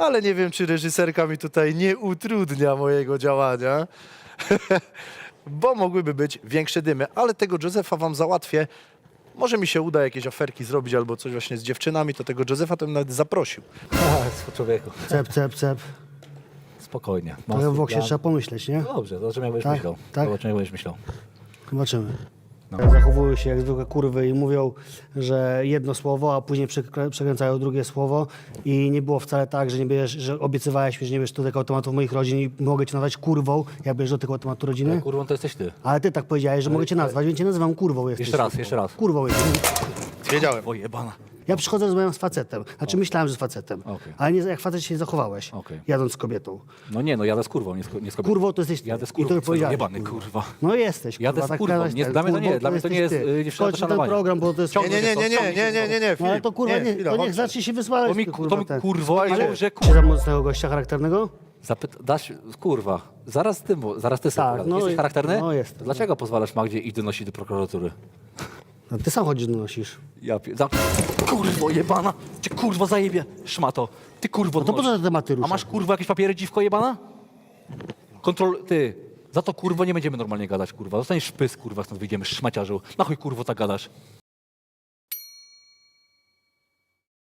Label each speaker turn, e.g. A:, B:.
A: ale nie wiem, czy reżyserka mi tutaj nie utrudnia mojego działania, bo mogłyby być większe dymy, ale tego Józefa wam załatwię. Może mi się uda jakieś aferki zrobić albo coś właśnie z dziewczynami, to tego Józefa to bym nawet zaprosił.
B: Człowieku,
C: Cep, cep, cep.
B: spokojnie.
C: Trochę w boksie trzeba pomyśleć, nie?
B: Dobrze, zobaczymy jak będziesz
C: Tak,
B: myślał.
C: tak.
B: Zobaczymy jak będziesz myślał.
C: Zobaczymy.
B: No.
C: Zachowują się jak zwykłe kurwy i mówią, że jedno słowo, a później przekręcają drugie słowo i nie było wcale tak, że nie bierzesz, że obiecywałeś mi, że nie bierzesz do tego automatu moich rodzin i mogę cię nazwać kurwą, jak bierzesz do tego automatu rodziny.
B: Kurwą to jesteś ty.
C: Ale ty tak powiedziałeś, że mogę cię nazwać, więc cię nazywam kurwą. Jesteś.
B: Jeszcze raz.
C: Kurwą jesteś.
A: Wiedziałem.
B: O jebana.
C: Ja przychodzę, rozmawiam z facetem. Znaczy myślałem, że z facetem.
B: Okej.
C: Ale nie jak facet się zachowałeś,
B: Okej.
C: jadąc z kobietą.
B: No nie, no jadę z kurwą, nie z kobietą.
C: Kurwą to jesteś ty.
B: Jadę z
C: I
B: kurwą,
C: to
B: co
C: powiedziałeś.
B: jebany kurwa.
C: No jesteś, kurwa.
B: Jadę z
C: tak
B: kurwą.
C: gadać
B: Nie,
C: ten.
B: dla mnie to nie,
C: Kurwą
B: dla mnie to nie jest,
C: jesteś ty.
B: dziewczyna do
C: Kończ ten
B: szanowania.
C: program, bo to jest...
A: Nie.
C: No ale
A: Filip,
C: to kurwa nie,
A: chwila,
C: to niech
A: chodź.
C: zacznie się wysłać.
B: To mi kurwo,
A: Słuchajcie.
B: że
C: Czy tam z tego gościa charakternego?
B: dasz, kurwa, zaraz ty sobie
C: Tak,
B: pogadaj.
C: no
B: Jesteś
C: i-
B: charakterny?
C: no jestem.
B: Dlaczego pozwalasz Magdzie i donosić do prokuratury?
C: No, ty sam chodzisz, donosisz.
B: Kurwo jebana! Cię kurwo zajebie! Szmato! Ty kurwo
C: No to po co te tematy
B: A
C: ruszasz?
B: masz kurwa jakieś papiery, dziwko jebana? Ty! Za to kurwo nie będziemy normalnie gadać, kurwa. Zostaniesz szpys, kurwa, stąd wyjdziemy, szmaciarzu. Na chuj kurwo tak gadasz?